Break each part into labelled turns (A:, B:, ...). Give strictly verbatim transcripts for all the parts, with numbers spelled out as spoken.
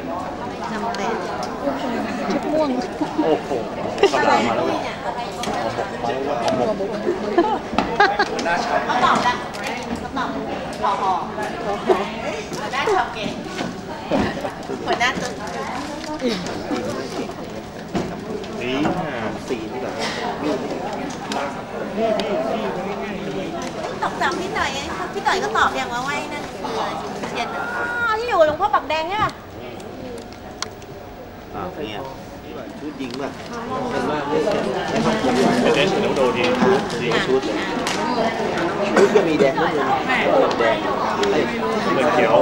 A: จำเป็นชุดม่วง
B: โอ้โหกำลังมาแล้วหัวบุกหัวหน้าชาว
A: เขาตอบแล้วเขาตอบหอหอหัวหน้าชาวเก่งหัวหน้าตึง
B: นี่สีนี่แบบ
A: ตอบจำพี่หน่อยพี่หน่อยก็ตอบอย่างว่าไว้นั่นคือเทียนที่อยู่หลวงพ่อปักแดงใช่ป่ะ
B: อ่าเนี่ยชุดยิงแบบเป็นมากเลยเป็นเดชน้ำโดดีดีชุดชุดก็มีแดงด้วยแดงเหมือนเขียว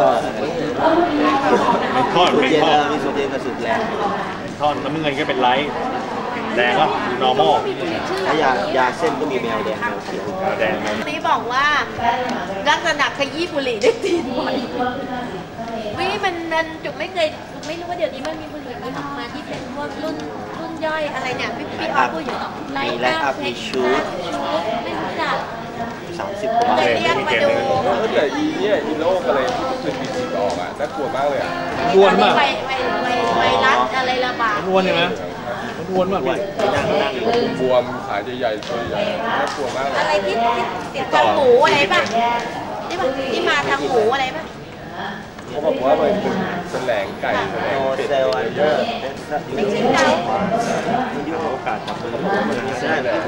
B: เป็นทอดเป็นทอดมีสุดเด่นกับสุดแรงทอดน้ำเงินก็เป็นไลท์แดงก็ normal ถ้ายายาเส้นก็มีแมวแดงแมวเขียวแดง
A: นี่บอกว่าลักษณะขยี้บุหรี่ได้ตีนบ่อยวิมันมันจุกไม่เคยไม่รู้ว่าเดี๋ยวนี้มันมีบุหรี่มันทำมาที่เป็นพวกรุ่นรุ่นย่อยอะไรเนี่ยพี่พี่ออฟพูดอยู่ไลท์อัพเทคชูดไม่รู้จัก
B: สามสิบกว่า
A: เลยเรียกมาดู
C: แต่อีเนี่ยอีโรคอะไรที่มันเป็นบีซีออกอ่ะน่ากลัวมากเลยอ่ะ
A: อ้วนมากไวไวไวไวรัสอะไรระบาด
B: อ้วนใช่ไหมอ้วนมากพี่นั่งนั่ง
C: บวมขาใหญ่ๆตัวใหญ่น่ากลัวมากเลย
A: อะไรที่ติดทางหูอะไรป่ะที่มาที่มาทางหูอะไรป่ะ
C: เขาบอกว่ามันเป็นแสลงไก่แสลงเป็ดเยอะ
A: ไม่ใช่เรา
B: ไม่ยุ่งโอกาสจับมือใช่เลย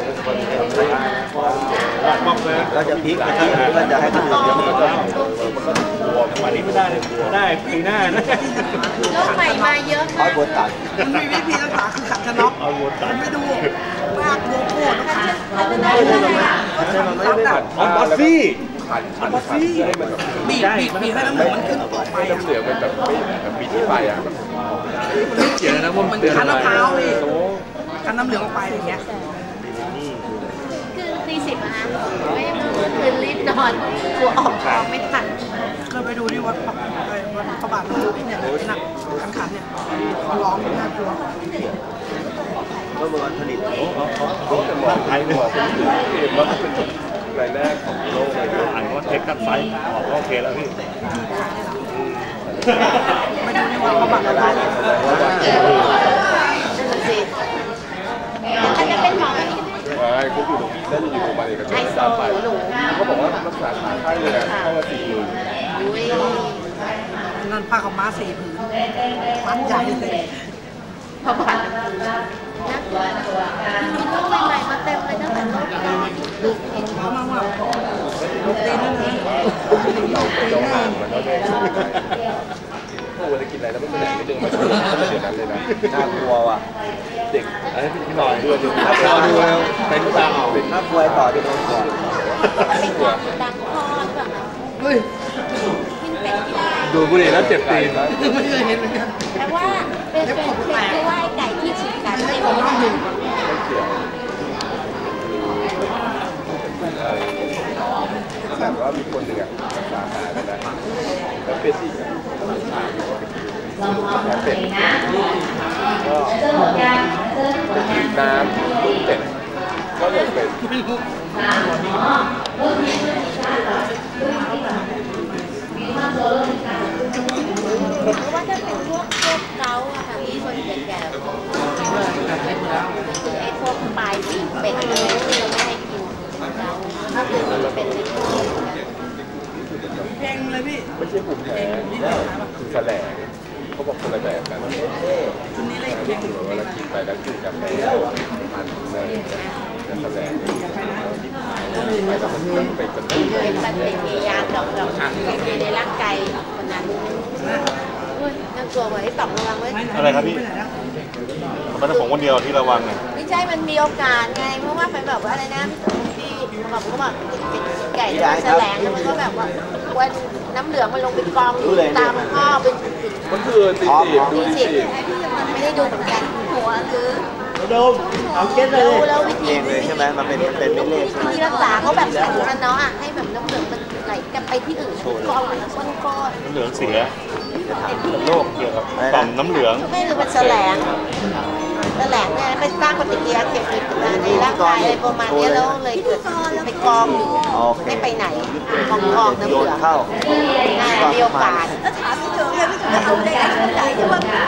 B: เราจะพลิกไปที่อื่นก็จะให้คนอื่นเยอะมากวันนี้ไม่ได้เลยได้ปีหน้านะ
A: โรคใหม่มาเยอะมาก
B: เอาบทตัด
D: มันมีวิธีรักษาคือขัดชะน็อก
B: เอาบทตัด
D: ไม่ดูมากโกโก้ต้องขัด
A: ขัดชะน็อกอะไรอ่ะ
B: มันไม่ได้ขัดเอาบอสซี่
C: ขันขันขันให้มัน
D: บีบบีบบีบให้น้ำเหลืองมันขึ้นต่อไป
C: น้ำเหลืองมันแบบไม่แบบมีที่ไปอ่ะ
B: เกี่ยวนะว่า
D: มันคั้นมะพร้าวเลยคั้นน้ำเหลืองออกไปอย่างเงี้ย
A: คือตีสิบนะไม่เมื่อคืนรีบนอนกลัวออกท้องไม่ทัน
D: เคยไปดูที่วัดวัดพระบาทเนี่ยหนักขันขันเนี่ยร้องน่ากลัว
B: ก็เป็นวันผลิตโอ้เขา
C: เขาจะมองไทยเนี่ยว่าเป็นรายแรกของโลกเลย
B: อ่านว่าเทคกันไฟออกโอเคแล้วพี่
D: ไม่ดูที่วัดพระบาทอะไร
A: อันจะเป็นหมอ
C: ไม่เขาอยู่ตรงนั้นอยู่โรงพยาบาลเอกชนสามไปเขาบอกว่ารักษาขาไข้เลยนะเข้ามาสี่หมื่น
D: นั่นผ้าขาวม้าสี่ผืนมันใหญ่เลย
A: พระบาทนะลูกใหม่ๆมาเต็มเลยตั้งแต่โลกแรก
D: ลูกเขามาว่าลูกตีนั่นเลย
C: เราห่างมันแล้วเลยโอ้เวลากินอะไรแล้วไม่แสดงไม่ดึงมาเดี๋ยวนั้นเลยนะ
B: น่ากลัวว่ะ
C: เด็กไอ้พี่หน่อยด้วยดู
B: น่ากลัวดูแล้วเป็นตาเอาเป็นน่ากลัวต่อไปโดนก่อน
A: เป็นความดังคอหรือเปล่าเฮ้ย
C: ดูบุหรี่แล้วเจ็บตีน
D: ไม่เคยเห็นเหมือนกัน
A: แต่ว่าเป็นเป็นคือว่าไก่ที่ฉีกกันไม่ได้ไม่ได้
C: แบบว่ามีคนหนึ่งอ่ะรักษาหายแล้วนะแล้วเป็ดอีกแล้วเป็ดก็จะกินน้ำลูกเป็ดก็เลยเป็ด
A: เพราะว่าถ้าเป็นพวกพวกเกาอะค่ะที่คนแก่ๆคือไอ้พวกปลายปีกเป็ดอะไรที่เราไม่ให้กินเกาถ้าคือมันเป็นในตัว
D: เพลงเลยพี่
C: ไม่ใช่ผมแพ้คือแสลงเขาบอกคนละแบบกัน
D: ชุดนี้เลย
C: ที่ถือเวลากินไปแล้วกินกาแฟทานเลยแสลงไปแล้วมันไปกระตุ้น
A: เป็นปฏิกิริยาดอกดอกในในร่างกายคนนั้นน่ากลัวไว้ตอบระวังไว้
B: อะไรครับพี่มันเป็นของคนเดียวที่ระวังไง
A: ไม่ใช่มันมีโอกาสไงเพราะว่าเป็นแบบว่าอะไรนะที่แบบเขาบอกไก่ที่แสลงแล้วมันก็แบบว่าวันน้ำเหลืองมันลงไปกองอยู่ตามข้อเป็น
C: มันคือตีสิบ
A: ตีสิบไม่ได้ดูเหมือนกันหัวหรือ
B: ดมเอาเก็ตเลย
A: แล้ววิธี
B: เลยใช่ไหมมันเป็นมันเป็นไม่เล่
A: วิธีรักษาเขาแบบแข็งกันเนาะอ่ะให้แบบน้ำเหลืองมันไหลกันไปที่อื่นกองแล้วก้อนก้อน
B: น้ำเหลืองเสียโรคเกี่ยวกับต่อมน้ำเหลือง
A: ไม่คือมันแสลงแสลงเนี่ยไปสร้างปฏิกิริยาเกี่ยวกับในร่างกายอะไรประมาณนี้แล้วเลยเกิดไปกองอยู่ไม่ไปไหนกองกองน้ำเหลือง
B: เข้า
A: มีโอกาสแล้วถามพี่เฉยเลยพี่เฉยเอาได้ช่วง